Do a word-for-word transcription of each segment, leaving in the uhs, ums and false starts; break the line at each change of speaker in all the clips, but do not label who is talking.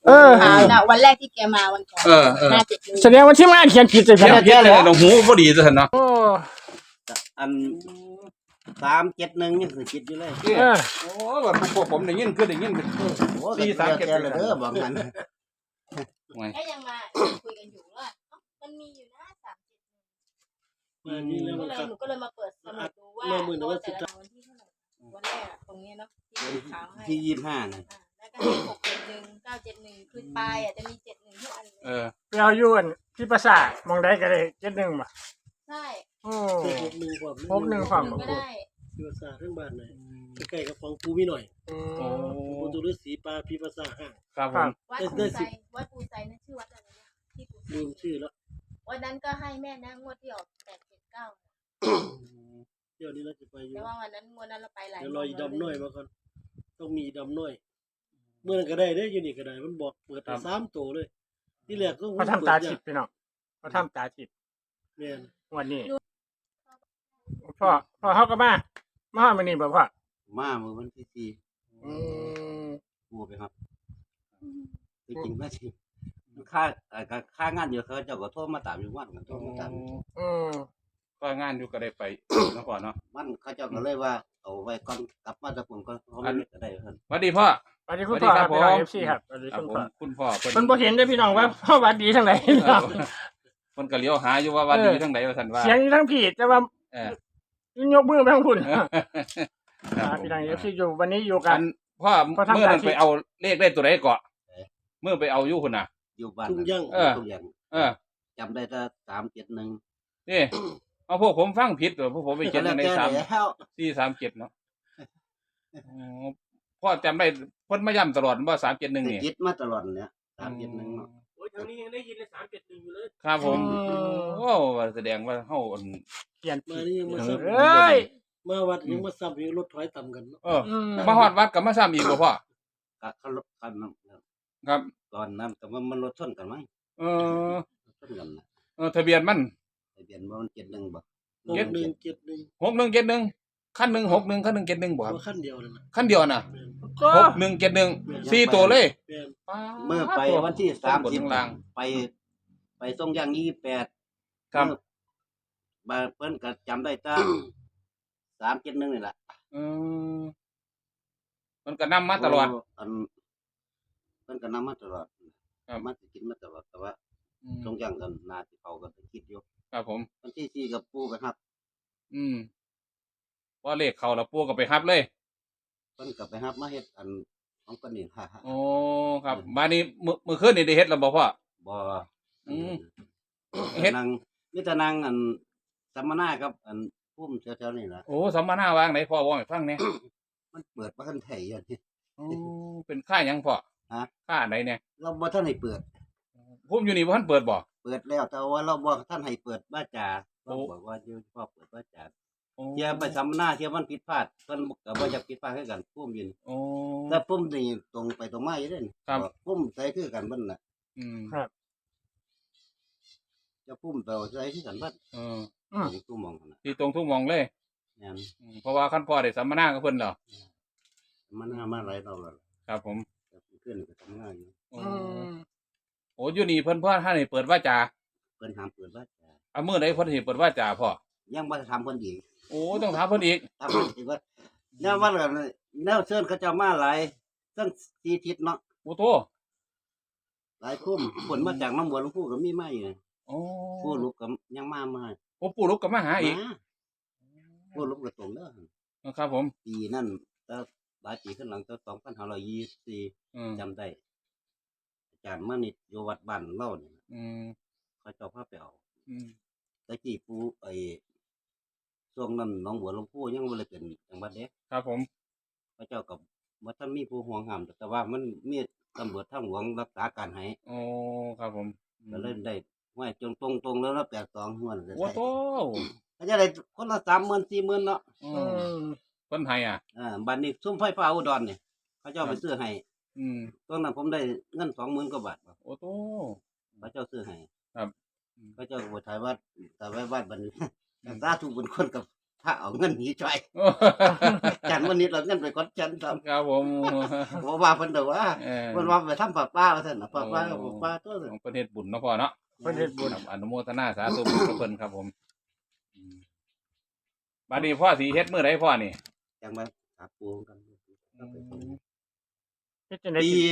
เออ
ถามนะวันแรกที่แกมาวันก่อน
เออเออ
ห้าเจ็ดหนึ่ง
แสดงว่าที่มาเขียนผิดเลยค
เขียน
รับ
เขียนเลยเราหูพอดีซะเนาะ
โอ้
อันสามเจ็ดหนึ่งยังคือคิดอยู่เลย
เออ
โอ้แบบพวกผมได้ยินคือได้ยิน
โอ้
สี่สามเจ็ด
เลยเด้อบอกงั้น
ก็ยังมาคุยกันอยู่ว่าเอ้ามันมีอยู่นะสามเจ็ด
มานี่แล้ว
ก็
มัน
เลย
กลับ
หนูก็เลยมาเปิดสมุดดูว่า
เมื่อมื่นวัน
แต่
สุด
ละวันที่เท่าไหร่วันแรกอะตรงนี้เนาะที่ขาวให้
ที่ยี่สิบห้านะ
อ่าแล้วก็ให้หกเจ็ดหนึ่งเก้าเจ็ดหนึ่งคือปลายอ่ะจะมีเจ็ดหนึ่งทุกอันเลย
เออ
ไปเอาอยู่อันที่ประสาทมองได้ก็ได้เจ็ดหนึ่งบ่
ใช่
โอ้
หกหนึ่งความ
หกหนึ่งความ
ก็ได้
พิภาษาทั้งบ้านเลยใกล้ๆกับฟองปูมีหน่อย
อื
โอ้
ม
ปูตุฤษีปลาพิภาษาห้าง
ครับผม
วัด
ได้
ปู
ได้
ไซ
สิบ
วัดปูไซนั่นชื่อวัดอะไรนะที่ปูไซ
ลืมชื่อแล้ว
วันนั้นก็ให้แม่นะงวดที่ออกแปดเจ็ดเก้า
เดี๋ยวนี้เราจะไปอยู่
แต่ว่าวันนั้นงวดนั้นเราไปหลาย
เดี๋ยวรออีดำน้อยมาก่อนต้องมีดำน้อย เมื่อนั้นก็ได้ได้อยู่นี่ก็ได้มันบอกเปิดไปสามตัวเลย ที่แรกก็
เขาทำตาทิพย์พี่น้องเขาทำตาทิพย์
แม่น
วันนี้พ่อพ่อเขาก็มามาฮอดมื้อนี้บ่พ่อ
มาเมื่อวันที่สี่
อืม
กูไปครับจริงๆไม่จริงค่าเอ่อค่างานอยู่เขาเจ้าก็โทรมาตามอยู่วันกันโทรมาตาม
อืม
ก็งานอยู่ก็ได้ไปเนาะก่อนเนาะ
มันเขาเจ้าก็เลยว่าเอาไว้ก่อนกลับมาจากผมก็เขาไม่ก็ได้เพิ่น
สวัสดีพ่อ
สวัสดีคุณพ่อครับ
สวั
พี่น้อง
สดีครับ
เอฟซีครับสวัสดี
ครับ
คุณ
ผ
พ่อ
มคุณพ่อเพิ่น
เพิ่นบ่เห็นเด้อพี่น้องว่าพ่อหวัดดีทางไหนพี่น้อง
เพิ่นก็เลี้ยวหาอยู่ว่าว่าดีทั้งใดว่าซั่นว่า
เสียงทั้งผิดแต่ว่า
เออ
ยกมือไปทางคุณ
ครับ
อ่า
ผม
พี่น้องเอฟซีอยู่วันนี้อยู่กั
อั
น
นพ่อ
พ่อทำ
เมื่อนั้น
ตามที่
ไปเอาเลขได้ตัวใดเกาะเมื่อไปเอาอยู่พุ่นน่ะ
อยู่บ้าน
ทุ่งย่าง
เออ
ทุกอย่าง
เออ
จำได้แต่สามเจ็ดหนึ่ง
นี่เอาพวกผมฟังผิดตัวพวกผมไปเขียนในสาม
แล้ว
สี่สามเจ็ดเนาะอ๋อพ่อจำได้เพิ่นมาย้ำตลอดว่าสามเจ็ดหนึ่งนี่
ยึดมาตลอดเนี่ยสามเจ็ดหนึ่งเนาะ
โอ้ยทางนี้ยังได้ยินเลยสามเจ็ดหนึ่งอยู่เลย
ครับผม
อืม
โอ้แสดงว่าเฮาอัน
เขียน
มา
ผิด
นี่ยังมา
เอ
ซ้ำ
้ย
มาวัดยังมาซ้ำอยู่รถถอยต่ำกันเนาะ
เออ
อืม
มาฮอดวัดกับมาซ้ำอีกบ่พ่อ
ก็เขาลดกันเนาะ
ครับ
ตอนนั้นแต่ว่ามันรถชนกันมั้ง
เออ
รถชนกันนะ
เออทะเบียนมัน
ทะเบียนว่ามันเจ็ดหนึ่งบ่
หกหนึ่งเจ็ดหนึ่ง
หกหนึ่งเจ็ดหนึ่งคันหนึ่งหกหนึ่งคันหนึ่งเจ็ดหนึ่งบ่ครับ
ว่าขั้นเดียวเลยนะ
คันเดียวน่ะ
แม่น
ก็
หกหนึ่งเจ็ดหนึ่งสี่ตัวเลย
แม่น
เมื่อไปวันที่สาม
บน
สิบ
ข้างล่าง
ไป ไปส่งย่างยี่สิบแปด
ครับ
มาเพิ่นก็จำได้ตั้งสามเจ็ดหนึ่งนี่แหละ
เออมันก็นำมาตลอด
อันเพิ่นก็นำมาตลอด
ครับ
มาสิกินมาตลอดแต่ว่า
อืม
ส่งย่างกันนาที่เขาก็คิดอยู่
ครับผม
วันที่สี่กับปู่ไปครับ
อืมพอเลขเข้าแล้วปู่ก็ไปรับเลย
เพิ่นก็ไปรับมาเฮ็ดอันของเพิ่นนี่ค่ะ
โอ้ครับมานี่มื้อมื้อคืนนี่ได้เฮ็ดแล้วบ่พ่อ
บ่
อืม
เฮ็ดนางมีแต่นางอันสัมมนากับอันพุ่มแถวๆนี่ล่ะ
โอ้สัมมนาวางไหนพ่อว่าให้ฟังแหน่
มันเปิดบ่ทันไทยอย่างนี้
โอ้เป็นค่าหยังพ่อ
ฮะ
ค่าไหนเนี่ย
เราบ่ทันให้เปิด
ผมอยู่นี่บ่ทันเปิดบ่
เปิดแล้วแต่ว่าเราบ่ท่านให้เปิดบ้าจา
โอ้
เราบอกว่าอยู่พ่อเปิดบ้าจา
โอ้
เที่ยไปสัมมนาเที่ยมันผิดพลาดเพิ่นก็บ่อยากผิดพลาดคือกันพุ่มยิน
โอ้
แต่พุ่มนี่ตรงไปตรงมาอยู่เด้น
ครับ
พุ่มใส่คือกันเบิ่นน่ะ
อืม
จะพุ่มเตาใส่คือกันเบิ่น
เออ
อืม
ตรงตู้มองนั่นน่ะ
ที่ตรงทุกหมองเลย
แม่น
อืมเพราะว่าคันพ่อได้สัมมนากับเพิ่นแล้ว
มันหามาหลายรอบแล้ว
ครับผม
แต่ขึ้นก็ทำงานอยู่
โอ้
อืม
โอ้อยู่นี่เพิ่นพ่อท่านให้เปิดว่าจา
เพิ่นห้ามเปิดบ้าจา
เอามื้อใดเพิ่นสิเปิดว่าจาพ่อ
ยังบ่ได้ทำเพิ่นอีก
โอ้ต้องถามเพิ่นอีก
ทำเพิ่นอีกว่าแนวว่ากันแนวเชิญเขาเจ้ามาหลายทั้งสี่ทิศเนาะ
โอ้โต
หลายพุ่มผลมาจากน้ำบัวหลวงปู่ก็มีมาอยู่
โอ้
ผู้ลูกก็ยังมามา
โอ้ปู่ลูกก็มาหาอีก
มาผู้ลูกก็ตรงเด้อ
ครับผม
ปีนั่นแต่หลายปีขึ้นหลังแต่สองพันห้าร้อยยี่สิบสี่
อืม
จำได้ อาจารย์มานิดอยู่วัดบ้านเล่าเนี่ย
อืม
เขาเจ้าพาไปเอา
อืม
ตะกี้ปูไอ้ช่วงนั้นหน้องบัวหลวงปู่ยังบ่ได้เป็นจังหวัดเด็ก
ครับผม
เขาเจ้ากับว่าท่านมีผู้ห่วงห้ามแต่ว่ามันมีตำรวจทางหลวงรักษาการให้
โอ้ครับผม
ก็เลยได้ห้วยจงตรงตรงๆแล้วนะแปดสองหัวเลย
โอ้โต
เขาจะได้คนละสามหมื่นสี่หมื่นเนาะ
อื
อื
ม
ม
เพิ่นให้อ่ะ
อ่าบัดนี้ซุ้มไฟฟ้าอุดรเนี่ยเขาเจ้าไปซื้อให้
อืม
ตอนนั้นผมได้เงินสองหมื่นกว่าบาท
โอ้โต
พระเจ้าซื้อให้
ครับ
พระเจ้าก็บอกถ่ายวัดถ่ายไว้วัดบัดน สาธุบุญคนกับทระเอาเงินหนีจ่อยจันวันนี้เราเงินไปกดจันทำ
ครับผม
บ่ว่าเพิ่นดอกว่า
เออ
เพิ่นว่าไปทำป้าป้าว่าซั่นน่ะป้าป้ากับป้าตัวซั่น
ของประเทศบุญเนาะพ่อเนาะ
เพิ่นเฮ็ดบุญ
ครับอนุโมทนาสาธุบุญกับเพิ่นครับผมอืมบัดนี้พ่อสิเฮ็ดมื้อใดพ่อนี่
จังมาหาปูกัน
เฮ็ดจังได๋
ปี
สิ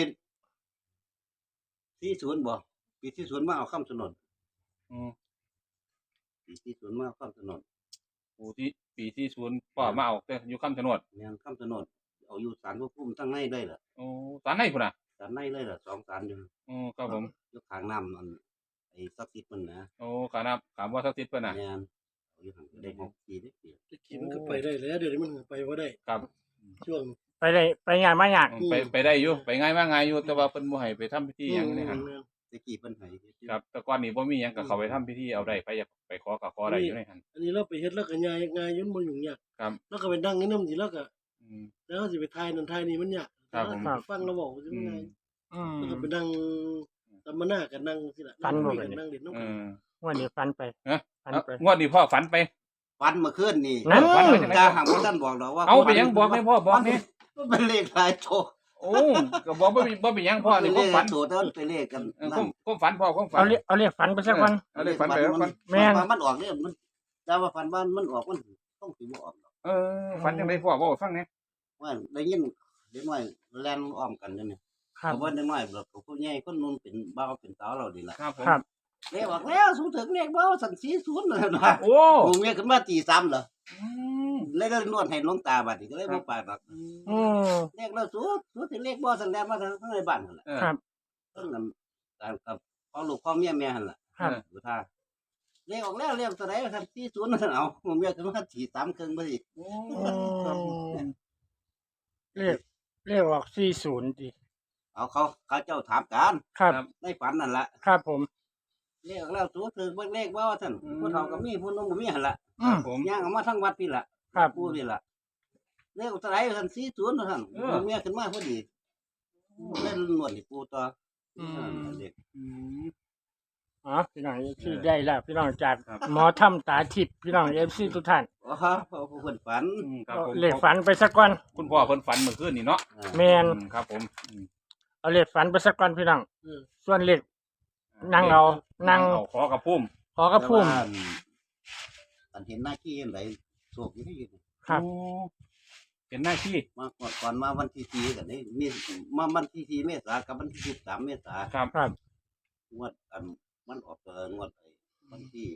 สี่สิบบ่ปีสี่สิบมาเอาคำสนน
อืม
ปีสี่สิบมาเอาคำสนน
ปีที่ปีที่ศูนย์พ่อมาเอาแต่อยู่คำชะโนด
แม่นคำสนนเอาอยู่ศาลพระภูมิทั้งในเลยล่ะ
โอ้สารไหนพุ่นน่ะ
ศาลในเลยล่ะสองศาลอยู่
โอ้ครับผม
อยู่ข้างน้ำมันไอ้ศักดิ์สิทธิ์มันนะ
โอ้ขานับขามว่าสักทิศเพิ่นน่ะ
แม่นเอาอยู่ข้างได้หกปีได้ปี
ตะกี้มันก็ไปได้แล้วเดี๋ยวนี้มันก็ไปบ่ได้
ครับ
ช่วง
ไปได้ไปงานมายาก
ไปไปได้อยู่ไปง่ายมากง่ายอยู่แต่ว่าเพิ่นบ่ให้ไปทำพิธีหยังนี่หั่น
อืม
ตะกี้เพิ่นให้
ครับแต่ก่อนนี้บ่มีหยังก็เข้าไปทำพิธีเอาได้ไปอยากไปขอก็ขอได้อยู่ในหั่น
อันนี้เราไปเฮ็ดแล้วก็ง่ายง่ายอยุ่นบ่ยุ่งยาก
ครับ
แล้วก็ไปนั่งนี่นำสิแล้วก็
อืม
แล้วก็สิไปทายนั่นทายนี่มันยาก
ครับผม
แล้วฟังเราบอกสิ
อื
มัน
ม
ง่าย
อืม
แล้วก็ไปนั่งสัมมนากันนั่งสิล่ะ
ฟันบ่
คุย
ไป
กัน
เนี่ย
นั่งเล่นน้ำ
เอ
กัน
อ
วันนี้ฟันไป
ฮะ
ฟันไป
งวดนี้พ่อฝันไป
ฟันเมื่อคืนนี่
นั่น
ฝันไว้จังได๋
จ้าหางบ่ทันบอกดอกว่า
เอาไปหยังบอกให้พ่อบอกนี่
มันเป็นเลขหลายโต
โอ้ก็บอกบ่มีบ่มีหยังพ่อนี่ความฝัน
โตแต่มันเป็นเลขกัน
เออ
นั่
คน วามความฝันพ่อความฝัน
เอาเรียกเอาเรียกฝันไปสักวัน
เอาเลยฝันไปแล้วฝัน
แม่น
มันออกเนี่ยมันแต่ว่าฟันว่ามันออกมันต้องสิบ่ออกดอก
เออฝันจังไดพ่อเว้าให้ฟังแหน่
ว่าได้ยินเด็กน้อยแล่นอ้อมกันอยู่นี่
ครับ
เพราะว่าเด็กน้อยแบบผู้ใหญ่คนนู้นเป็นบ่าวเป็นสาวเราดีล่ะ
ครับผม
ครับ
เลขออกแล้วสูงถึงเลขบ่าวสั่นสี่สิบนั่นน่ะ
โอ้
ผมเมียขึ้นมาตีซ้ำเหรอ
อืม
เลยก็นวดให้หลวงตาบัดนี้ก็เลยบ่ปากดอก
อืม
เลขแล้วสูงสูงถึงเลขบ่สั่นแล่นมาทางในบ้านนั่นแหละ
เออ
ครับ
เพิ่นกันการกับพ่อลูกพ่อเมียแม่หั่นล่ะ
ครับ
ดูท่าเลขออกแล้วเลขตัวไหนสั่นสี่สิบนั่นเอาผมเมียขึ้นมาตีซ้ำครึ่งบ่ดิ
โอ้
อืมเรียกเรียกออกสี่สิบดิ
เอาเขาเขาเจ้าถามกัน
ครับ
ในฝันนั่นล่ะ
ครับผม
เลขออกแล้วสูงถึงเบิ่งเลขบ่ว่าซั่นผู้เฒ่าก็มีผู้หนุ่มก็มีหั่นล่ะ
อืม
ผม
ย่างออกมาทั้งวัดพี่ล่ะ
ครับ
ปู่นี่ล่ะเลขตัวไหนท่านสี่ศูนย์ท่านผมเมียขึ้นมาพอดีเล่นนวดให้ปู่ต่ออ
ม
เด็ก
อืม
อ๋อพี่น้องที่ได้แล้วพี่น้องจาก
ครับ
หมอถ้ำตาทิพย์พี่น้องเอฟซีทุกท่าน
อ๋อพอผู้เพิ่นฝัน
อืมครับผม
เลขฝันไปสักวัน
คุณพ่อเพิ่นฝันเมื่อคืนนี่เนาะ
อ่า
แมน
อืมครับผมอืม
เอาเลขฝันไปสักวันพี่น้อง
เออ
ส่วนเลขนั่งเอานั่ง
เอาขอกับพุ่ม
ขอกระพุ่ม
แต่ว่าอันเห็นหน้าขี้อันไหนโชคอยู่ที่อยู่
ครับ
โอ้เป็นหน้าที่
มาก่อนก่อนมาวันที่สี่กันนี่มีมาวันที่สี่เมษากับวันที่สิบสามเมษา
ครับ
ครับ
งวดอันมันออกเอองวดไอ้วันที่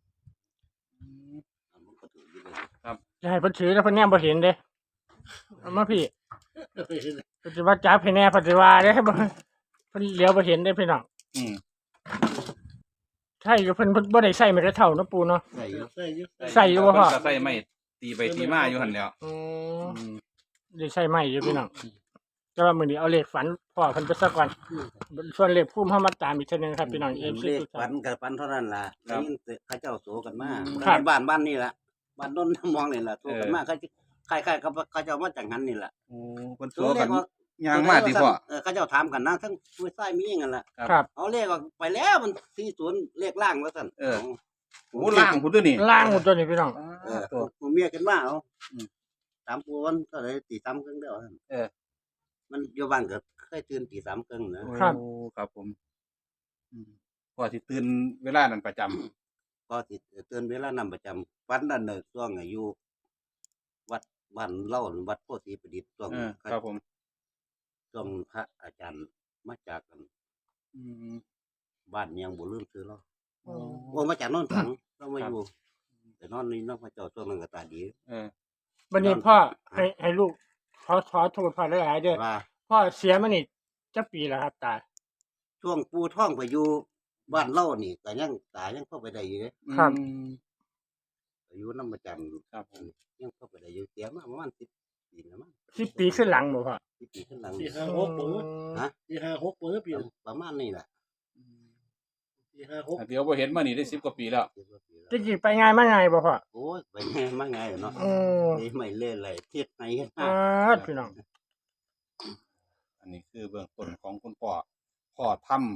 อันมันก็ถืออยู่เลย
จะให้เพิ่นถือแล้วเพิ่นแนมบ่เห็นเด้เอามาพี่เพิ่นสิว่าจับให้แน่เพิ่นสิว่าเด้บ่เพิ่นเหลียวบ่เห็นเด้พี่น้อง
อืม
ใช่อยู่เพิ่นเพิ่นบ่ได้ใส่ไม้กระเท่าเนาะปู่เนาะ
ใส่อยู่
ใส่อยู่
ใส่อยู่บ่พ่อ
เพิ่นก็ใส่ไม่ตีไปตีมาอยู่หั่นแหล้ว
อืม
อืม
ได้ใส่ไม้อยู่พี่น้องแต่ว่ามื้อนี้เอาเลขฝันพ่อเพิ่นไปสักวันส่วนเลขภูมิเฮามาตามอีกเทื่อนึงครับพี่น้อง เอฟ ซี
เลข
ทุก
ฝั
ท่าน น
กับฝันเท่านั้นล่ะได้ยินแต่เขาเจ้าโสกันมา
ครับ
บ้านบ้านนี่ล่ะบ้านโนนมองนี่ล่ะโสกันมาเขาคล้ายๆกับเขาเจ้ามาจากหันนี่ล่ะ
โอ้เพิ่น
ตั
ตัว ว
เล
กั
ข
น
ออก
ยางมาติพ่อ
เออเขาเจ้าถามกันนะทั้งผู้ชายมีหยังกันล่ะ
ครับ
เอาเลขออกไปแล้วมันสี่ศูนย์เลขล่างว่าซั่น
เออ โอ้ล่างพุ่นตัวนี่
ล่างหมดตัวนี้พี่น้อง
เออ
ตัว
ผมเมียกันมาเอา
อืม
ตามปูวันก็เลยตีสามครึ่งเดียวซั่น
เออ
มันอยู่บ้านก็เคยตื่นตีสามครึ่งนะ
ครับ
โอ้ครับผมอืมพ่อสิตื่นเวลานั้นประจำ
ก็สิตื่นเวลานำประจำวันนั้นน่ะช่วงอายุวัดบ้านเล่าวัดโพธิประดิษฐ์ช่วง
เออครับผม
ช่วงพระอาจารย์มาจากกัน
อืม
บ้านเมียงบ่ลืมซื้อเรา
โอ้
โอ้มาจากโนนสังเรามา
ครับ
อยู่แต่นอนนี่น้องพระเจ้าช่วงนั้นก็ตาดี
เออ
วันนี้พ่อให้ให้ลูกขอขอโทษพ่อหลายๆเด้อ
ว่า
พ่อเสียมานี่จักปีแล้วครับตา
ช่วงปูท่องไปอยู่บ้านเล่านี่ก็ยังตายังเข้าไปได้อยู่เด้
ครับ
อืม
อายุน้ำประจำ
ครับผม
ยังเข้าไปได้อยู่เสียมาประมาณสิบปีแล้วมั้ง
สิบปีขึ้นหลังบ่พ่อ
สิบปีขึ้นหลัง
สี่ห้าหกเปิด
ฮะ
สี่ห้าหกเปิดปีละ
ประมาณนี้แหละ
สี่ห้าหก
เดี๋ยวบ่เห็นมานี่ได้สิบกว่าปีแล้ว
สิบกว่าปีแล้ว
จริงๆไปง่ายมาง่ายบ่พ่อ
โอ้ยไปไงมาไงเนาะ
อืม
นี่ไม่เล่นอะไรเทียดไหนกัน
อ่า
นะ
พี่น้อง
อันนี้คือเบื้องต้นของคุณพ่อพ่อทำ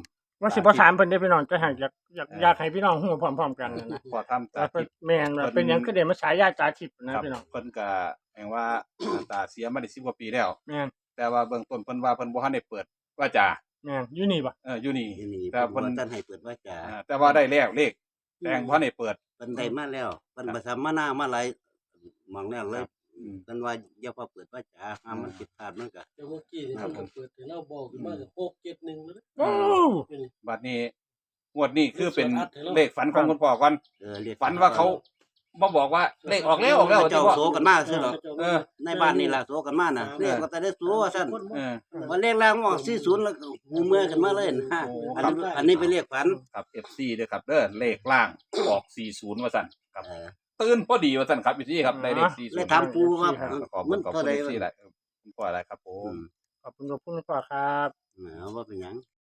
ว่าสิบ่ถามเพิ่นได้พี่น้องจะให้อยากอยากอยากให้พี่น้องฮู้พร้อมๆกันนะ
พอทำ
แต่
ตา
เพิ่น
ทิพย์
แม่นว่าเป็นหยังคือได้มาฉายาตาทิพย์นะครับ พี่น้อง
เพิ่นก็แห่งว่า ตาเสียมาได้สิบกว่าปีแล้ว
แม่น
แต่ว่าเบื้องต้นเพิ่นว่าเพิ่นบ่ทันได้เปิดว่าจา
แม่นอยู่นี่บ่
เอออยู่นี่
ที่นี่
แต่
เพิ่
เพิ่
น
น
บ่ทันให้เปิดว่าจะ
อ่าแต่ว่าได้แล้วเลขแต่แห่งบ่ทันได้เปิด
เพิ่นได้มาแล้วเพิ่นบ่ทำมาหน้ามาหลายหมองแล้วเลย
อืม
เพิ่นว่าอย่าพอเปิดว่าจะห้ามมันผิดพลาดมันก็
แต่เมื่อกี้ที่
ครับ
ทำ
ผม
เปิดให้เราบอกขึ้นมาก็หกเจ็ดหนึ่งแล้วนะ
โอ้
อยู่นี่
บัดนี้งวดนี้คือเป็น
ส่วนอัดให้เรา
เลขฝันของคุณพ่อก่อน
เออเรียก
ฝันว่าเขาบ่บอกว่าเลขออกแล้วออกแล้ว
เจ้า
ที่ว่า
โซกันมาซื่อหรอก
เออ
ในบ้านนี่ล่ะโซกันมาน่ะเรียกว่าแต่ได้โซว่าซั่น
เออ
ว่าเลขล่างออกสี่สิบแล้วก็หูเมื่อขึ้นมาเลยนะ
โอ้
อันนี้อันนี้เป็นเลขฝัน
ครับ เอฟ ซี เด้อครับเด้อเลขล่างออกสี่สิบว่าซั่นครับ
เออ
ตื่นพอดีว่าซั่นครับพี่ครับได้เลขสี่สิบ
เลยถามปูว่า
ขอบ
มั
คุ
น
ณขอบ
เท่า
คุณ
ใด
เอฟ ซี
วะ
หลายคุณพ่ออะไรครับผ
อื
ม
ม
ขอบคุณขอบคุณพ่อครับ
เอาว่าเป็นหยัง